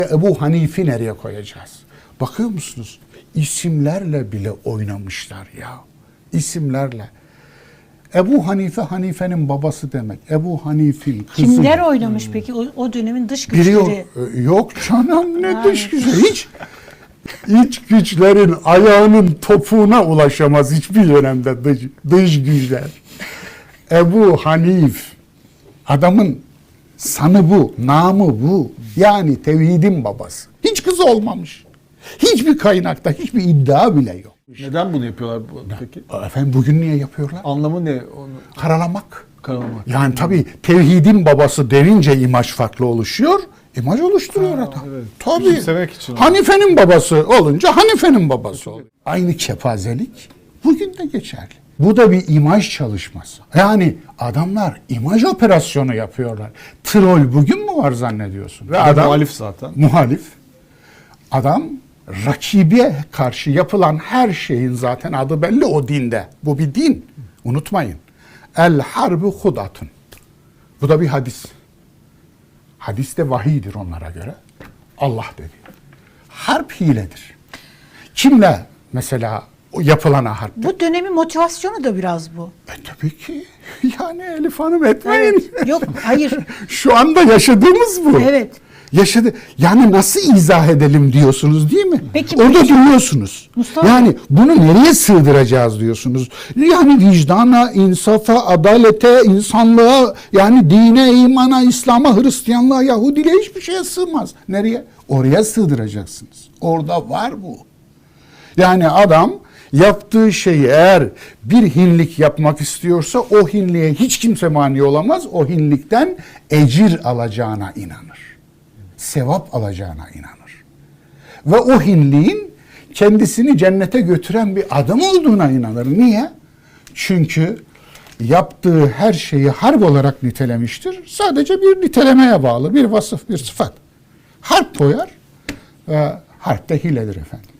Ebu Hanif'i nereye koyacağız? Bakıyor musunuz? İsimlerle bile oynamışlar ya. İsimlerle. Ebu Hanife, Hanife'nin babası demek. Ebu Hanif'in kızı. Kimler oynamış peki o dönemin dış güçleri? Biliyor. Yok canım, ne dış güçleri. Hiç güçlerin ayağının topuğuna ulaşamaz hiçbir dönemde dış güçler. Ebu Hanif. Adamın sanı bu, namı bu. Yani tevhidin babası. Hiç kızı olmamış. Hiçbir kaynakta, hiçbir iddia bile yok. Neden bunu yapıyorlar peki? Efendim bugün niye yapıyorlar? Anlamı ne? Karalamak. Karalamak. Yani tabii tevhidin babası denince imaj farklı oluşuyor. İmaj oluşturuyor adam. Evet. Tabii. Küçümsemek için. Hanife'nin babası olunca Hanife'nin babası oluyor. Aynı kepazelik bugün de geçerli. Bu da bir imaj çalışması. Yani adamlar imaj operasyonu yapıyorlar. Troll bugün mü var zannediyorsun? Ve adam muhalif zaten. Muhalif. Adam rakibe karşı yapılan her şeyin zaten adı belli o dinde. Bu bir din. Unutmayın. El harbu hudatun. Bu da bir hadis. Hadis de vahiydir onlara göre. Allah dedi. Harp hiledir. Kimle mesela yapılana harp? Bu dönemin motivasyonu da biraz bu. Tabii ki. Yani Elif Hanım etmeyin. Evet. Yok, hayır. Şu anda yaşadığımız bu. Evet. Yaşadı. Yani nasıl izah edelim diyorsunuz değil mi? Peki, orada duruyorsunuz. Mustafa Yani bunu nereye sığdıracağız diyorsunuz. Yani vicdana, insafa, adalete, insanlığa, yani dine, imana, İslam'a, Hristiyanlığa, Yahudiliğe hiçbir şeye sığmaz. Nereye? Oraya sığdıracaksınız. Orada var bu. Yani adam yaptığı şeyi eğer bir hinlik yapmak istiyorsa o hinliğe hiç kimse mani olamaz. O hinlikten ecir alacağına inanır. Sevap alacağına inanır. Ve o hinliğin kendisini cennete götüren bir adım olduğuna inanır. Niye? Çünkü yaptığı her şeyi harp olarak nitelemiştir. Sadece bir nitelemeye bağlı, bir vasıf, bir sıfat. Harp koyar ve harp de hiledir efendim.